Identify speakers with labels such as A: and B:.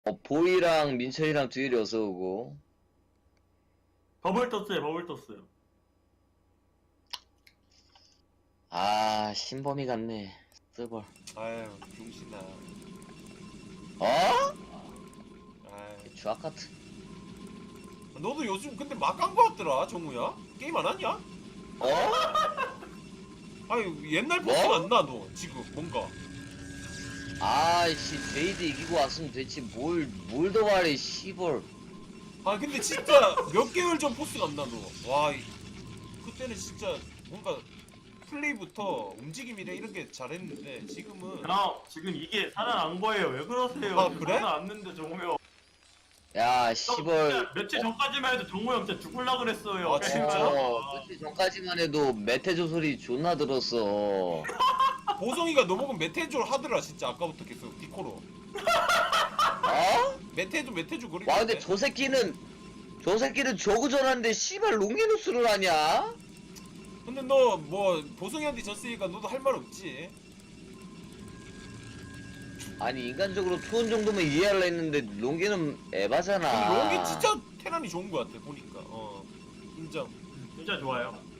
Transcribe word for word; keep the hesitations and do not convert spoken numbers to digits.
A: 어, 보이랑 민철이랑 듀일이 어서오고.
B: 버블 떴어요, 버블 떴어요.
A: 아, 신범이 같네. 쓰벌.
C: 아유 병신아.
A: 어?
C: 아유.
A: 주악 같은.
C: 너도 요즘 근데 막 간 거 같더라 정우야? 게임 안 하냐?
A: 어?
C: 아니 옛날
A: 뭐?
C: 포스가 안 나 너 지금 뭔가.
A: 아이씨, 제이드 이기고 왔으면 됐지. 뭘, 뭘 더 말해, 씨벌.
C: 아 근데 진짜 몇 개월 전 포스가 안 나 너. 와 이- 그때는 진짜 뭔가 플레이부터 움직임이래 이런 게 잘했는데 지금은
B: 형, 지금 이게 살아난 거예요. 왜 그러세요?
C: 아,
B: 지금
C: 그래?
B: 살아났는데 정우 형.
A: 야,
B: 형,
A: 씨벌.
B: 진짜 며칠 전까지만 해도 정우 형 진짜 죽을라 그랬어요.
C: 아, 진짜?
A: 어, 며칠 전까지만 해도 메테조 소리 존나 들었어.
C: 보성이가 너 보고 메테조 하더라 진짜 아까부터 계속 디코로.
A: 어?
C: 메테조 메테조 그리는데.
A: 와, 근데 저 새끼는, 저 새끼는 저그 전화인데, 씨발, 롱기누스를 하냐?
C: 근데 너 뭐 보성이한테 졌으니까 너도 할 말 없지.
A: 아니, 인간적으로 투혼 정도면 이해하려 했는데, 롱기는 에바잖아.
C: 근데 롱이 진짜 테란이 좋은 거 같아 보니까. 어 인정.
B: 진짜 좋아요.